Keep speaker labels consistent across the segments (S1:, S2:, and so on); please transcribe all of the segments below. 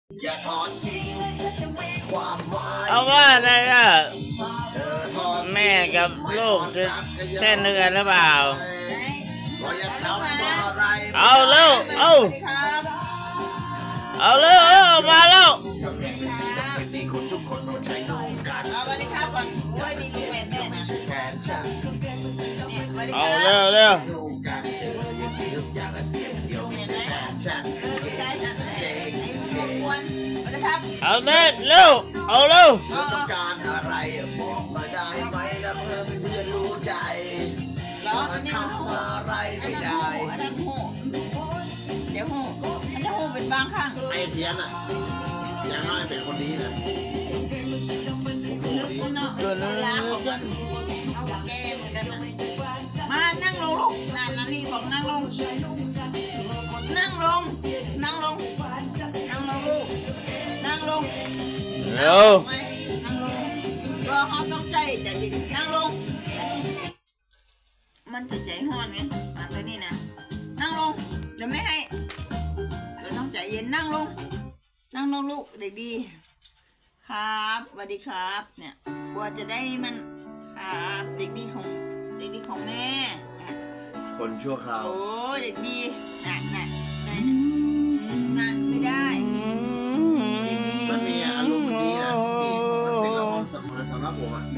S1: อย่าทอดทิ้งความหมาย
S2: เอาว่าอะไรอ่ะ
S1: ทอด
S2: แม่กับลูกจะแค่เนื้อหรือเปล่า
S1: ว่าอย่าทำอะไร
S2: เอาเร็วเอา
S3: สวัสดีครับ
S2: เอาเร็วเอามาแล้ว
S1: ก็แค่เป็นสิ่งจำเป็นที่คนทุกคนต้องใช้ดูกัน
S3: สวัสดีครับก่อนโอ้ยดีดีแม่แม่นะ
S1: ไม่ใช่แค่ฉัน
S3: เนี่ยสวัสดีค
S2: เอา
S3: รับ
S2: เร็วเร็ว
S1: ดูกันอย่างนี้ทุกอย่างเสียงเดียวไม่ใช่แค่ฉัน
S3: ใช่จ้ะไอ้พวกกวนสวัสดีครับ
S2: เอาเร็วเร็วเอาเร็ว
S1: เธอต้องการอะไรบอกมาได้ไหมแล้วเพื่อนจะรู้ใจ
S3: เหรออันนี้มันหู
S1: ทำอะไร
S3: อัน
S1: ไม่
S3: นั้น
S1: ได้
S3: หูอันนั้นหูเดี๋ยวหูอันนั้นหูเป็นบางข้าง
S1: ไอ้เพี้ยนอ่ะอย่างน้อยเป็นคนดีนะผมรู้ดี
S3: เนาะล้างออกมาแก้เหมือนกันนะมานั่งลงลูกนั่นนี่บอกนั่งลง นั่งลง นั่งลง นั่งลงลูก นั่งลง
S2: เร็ว
S3: ไม่นั่งลงรอเขาต้องใจเย็นนั่งลง มันจะใจห้อนไงมาตัวนี้นะนั่งลงเดี๋ยวไม่ให้เดี๋ยวต้องใจเย็นนั่งลง นั่งลงลูกเด็กดีครับสวัสดีครับ เนี่ยกลัวจะได้มันครับเด็กดีของแม่
S1: คนชั่วคราว
S3: โอ้เด็กดีน่ะน่ะไหนน่ะไม่ได้เด็กดี
S1: มันมีอารมณ์มันดีนะนี่มันเป็นละครเสมอสำหรับผมอ่ะ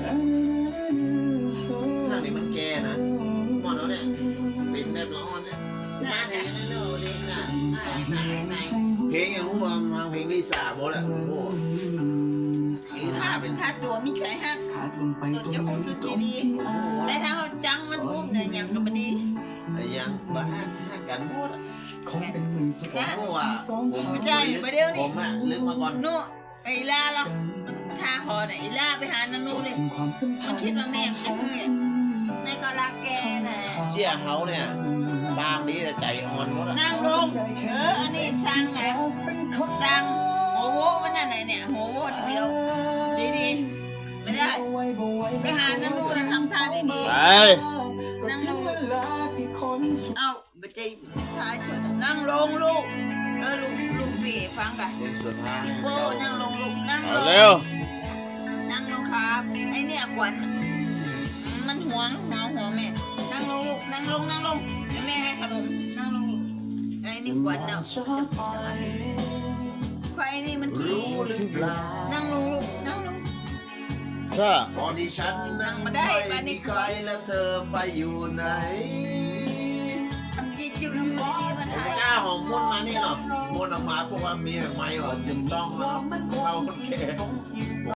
S1: หน้านี้มันแก่นะหมอนแล้วเนี่ยเป็นแบบละครเนี่ยมาเพลงนั่นเลยค่ะเพลงอย่างพวกมาเพลงลิซ่าหมดอ่ะโอ้โหลิซ่าเป็น
S3: ถ้าตัวมิจฉาฮักตัวจะรู้สึกดีๆแต่ถ้าเขาจังมันปุ๊บเนี่ยยังก็ไม่ดี
S1: ไอ้ยังบ้าห้ากันหมดอ่ะ
S4: คงเป็นหมื่นสุด
S1: ผมก็ว่าผม
S3: ไม่ใช่ไม่เดี๋ยว
S1: ผ
S3: นี้
S1: มอ่ะลึกมาก่อน
S3: นู่ไอ้ล่าเราท่าคอเนี่ยไอ้ล่าไปหานานูเลย
S4: สิ่งความสัมพั
S3: มัน น
S4: ธ์
S3: คิดว่าแม่จะเพื่อนแม่ก็รักแกน่ะ
S1: เชี่ยเขาเนี่ยปากดีแต่ใจอ่อนหมดอ่ะ
S3: นั่งลงอันนี้สั่งนะสั่งโหโว้มันนั่นไหนเนี่ยโหโว้ทีเดียวดีๆไม่ได้ไปหานานูนะทำท่าดี
S2: ไป
S3: ๆนั่งลง เอ้าไปใจท้ายสุดนั่งลงลูกลุงปีฟังกัน
S1: เพลงสุดท้าย
S3: โป้นั่งลงลูกนั่ง
S2: เอา
S3: ลง
S2: เร็ว
S3: นั่งลงครับไอเนี่ยขวัญมันห่วงแม่นั่งลงลูกนั่งลงเดี๋ยวแม่ให้ขนมนั่งลงลูกไอ้นี่ขวัญน่ะจะพิสารเพราะไอ้นี่มันขี้
S1: รู้หรือเปล่า
S3: นั่งลงลูกนั่งลง
S2: ใช่
S1: ตอนที่ฉันนั่งไม่มีใครแล้วเธอไปอยู่ไหน
S3: ทำยีจิ๋วอยู่ดีๆมันหาย
S1: หน้าของมุ่นมานี่เนาะมุ่นออกมาพวกว่ามีแบบไม้หรอจึงต้องเข้าคนแก่